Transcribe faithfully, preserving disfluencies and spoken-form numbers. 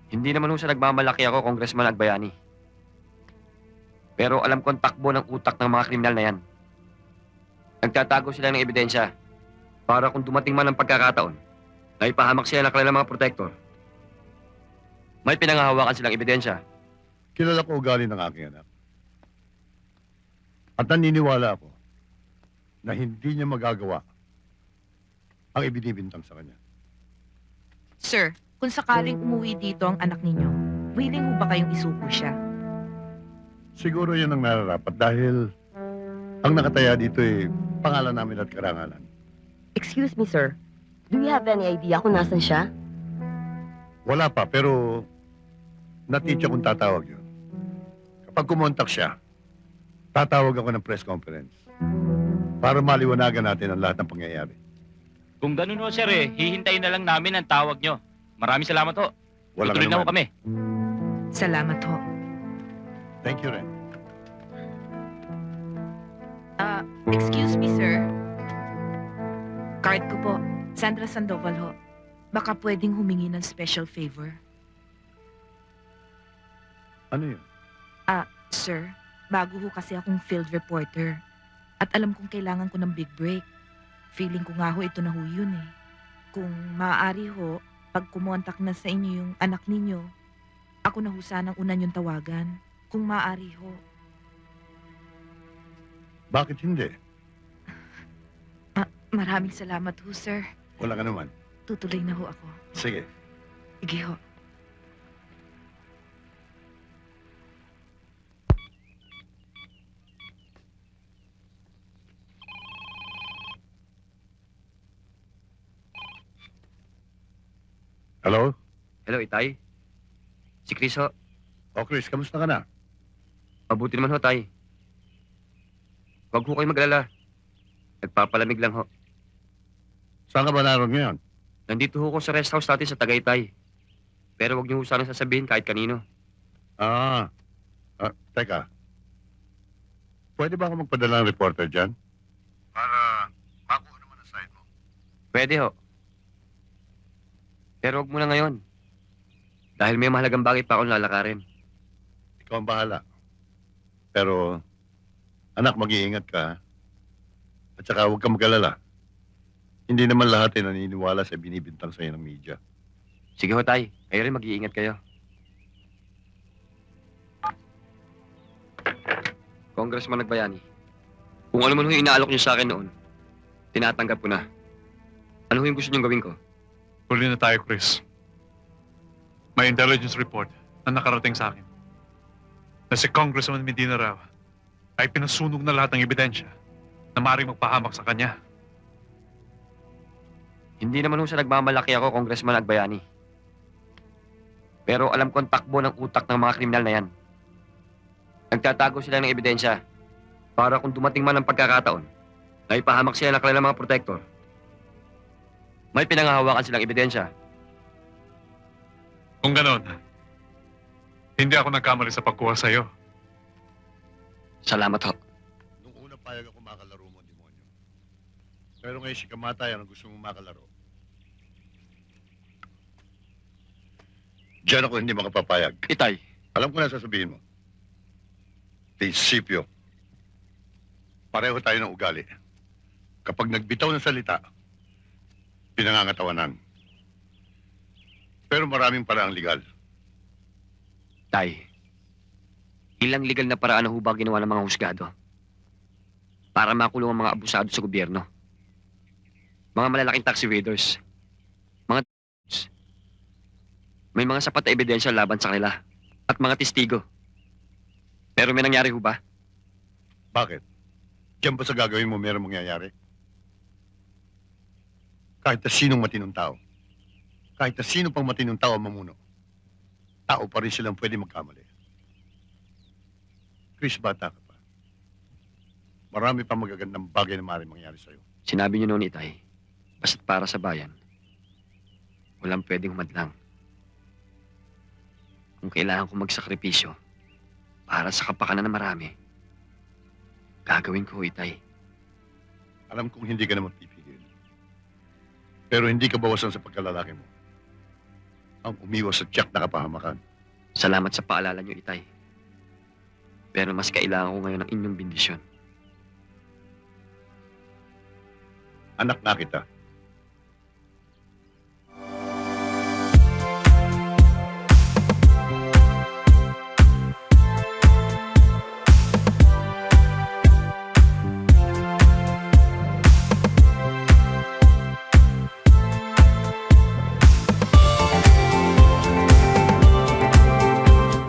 Hindi naman ho sa nagmamalaki ako, Congressman Agbayani. Pero alam ko ang takbo ng utak ng mga kriminal na yan. Nagtatago sila ng ebidensya para kung dumating man ang pagkakataon na ipahamak sila ng kanilang mga protector, may pinanghahawakan silang ebidensya. Kilala ko ugali ng aking anak. At naniniwala ako na hindi niya magagawa ang ibinibintang sa kanya. Sir, kung sakaling umuwi dito ang anak ninyo, willing ho ba kayong isuko siya? Siguro yan ang nararapat dahil ang nakataya dito ay pangalan namin at karangalan. Excuse me, sir. Do you have any idea kung nasan siya? Wala pa, pero natitya kong tatawag yun. Kapag kumontak siya, tatawag ako ng press conference para maliwanagan natin ang lahat ng pangyayari. Kung ganun ho, sir, eh, hihintayin na lang namin ang tawag nyo. Maraming salamat ho. Walang Tutuloy na ho anuman. kami. Salamat ho. Thank you, Ren. Ah, excuse me, sir. Card ko po. Sandra Sandoval ho. Baka pwedeng humingi ng special favor. Ano yun? Sir, bago ho kasi akong field reporter. At alam kong kailangan ko ng big break. Feeling ko nga ho ito na ho yun eh. Kung maaari ho, pag kumontak na sa inyo yung anak ninyo, ako na ho sanang una niyong tawagan. Kung maaari ho. Bakit hindi? Maraming salamat ho, sir. Wala ka naman. Tutuloy na ho ako. Sige. Sige ho. Hello? Hello, Itay. Si Chris ho. O Chris, kamusta ka na? Mabuti naman ho, Tay. Huwag ho kayo maglala. Nagpapalamig lang ho. Saan ka ba naroon ngayon? Nandito ho ko sa rest house natin sa Tagaytay. Pero huwag niyo ho sanang sasabihin kahit kanino. Ah, ah, teka. Pwede ba ako magpadala ng reporter dyan? Para makuha naman ang side mo. Pwede ho. Pero huwag muna ngayon. Dahil may mahalagang bagay pa akong lalakarin. Ikaw ang bahala. Pero, anak, mag-iingat ka. ha? At saka huwag kang mag-alala. Hindi naman lahat ay naniniwala sa binibintang sa'yo ng media. Sige ho, Tay. Kayo rin mag-iingat kayo. Congressman Nagbayani, kung ano man ho yung inaalok niyo sa akin noon, tinatanggap ko na. Ano ho yung gusto niyong gawin ko? Huli na tayo, Chris. May intelligence report na nakarating sa akin na si Congressman Medina raw ay pinasunog na lahat ng ebidensya na maaaring magpahamak sa kanya. Hindi naman ho sa nagmamalaki ako, Congressman Agbayani. Pero alam ko ang takbo ng utak ng mga kriminal na yan. Nagtatago sila ng ebidensya para kung dumating man ang pagkakataon na ipahamak sila ng kanilang mga protector, may pinanghahawakan silang ebidensya. Kung ganon, hindi ako nagkamali sa pagkuha sa'yo. Salamat ho. Nung una payag ako makalaro mo, demonyo. Pero ngayon si Kamatay ang gusto mong makalaro. Diyan ako hindi makapapayag. Itay, Alam ko na sasabihin mo. Prinsipyo. Pareho tayo ng ugali. Kapag nagbitaw ng salita, pinangangatawanan. Pero maraming paraang legal. Tay, ilang legal na paraan na hubag ginawa ng mga husgado para makulong ang mga abusado sa gobyerno. Mga malalaking tax evaders, mga t- may mga sapat na ebidensya laban sa kanila at mga testigo. Pero may nangyari ho ba? Bakit? Diyan ba sa gagawin mo meron mangyayari? Kahit na sinong matinong tao, kahit na sino pang matinong tao ang mamuno, tao pa rin silang pwede magkamali. Chris, bata ka pa. Marami pa magagandang bagay na maaaring mangyari sa'yo. Sinabi niyo noon, Itay, basta't para sa bayan, walang pwedeng humadlang. Kung kailangan ko magsakripisyo para sa kapakanan ng marami, gagawin ko, Itay. Alam kong hindi ka naman pipigil. Pero hindi ka bawasan sa pagkalalaki mo. ang umiwas sa tiyak na kapahamakan. Salamat sa paalala niyo, Itay. Pero mas kailangan ko ngayon ng inyong bendisyon. Anak na kita.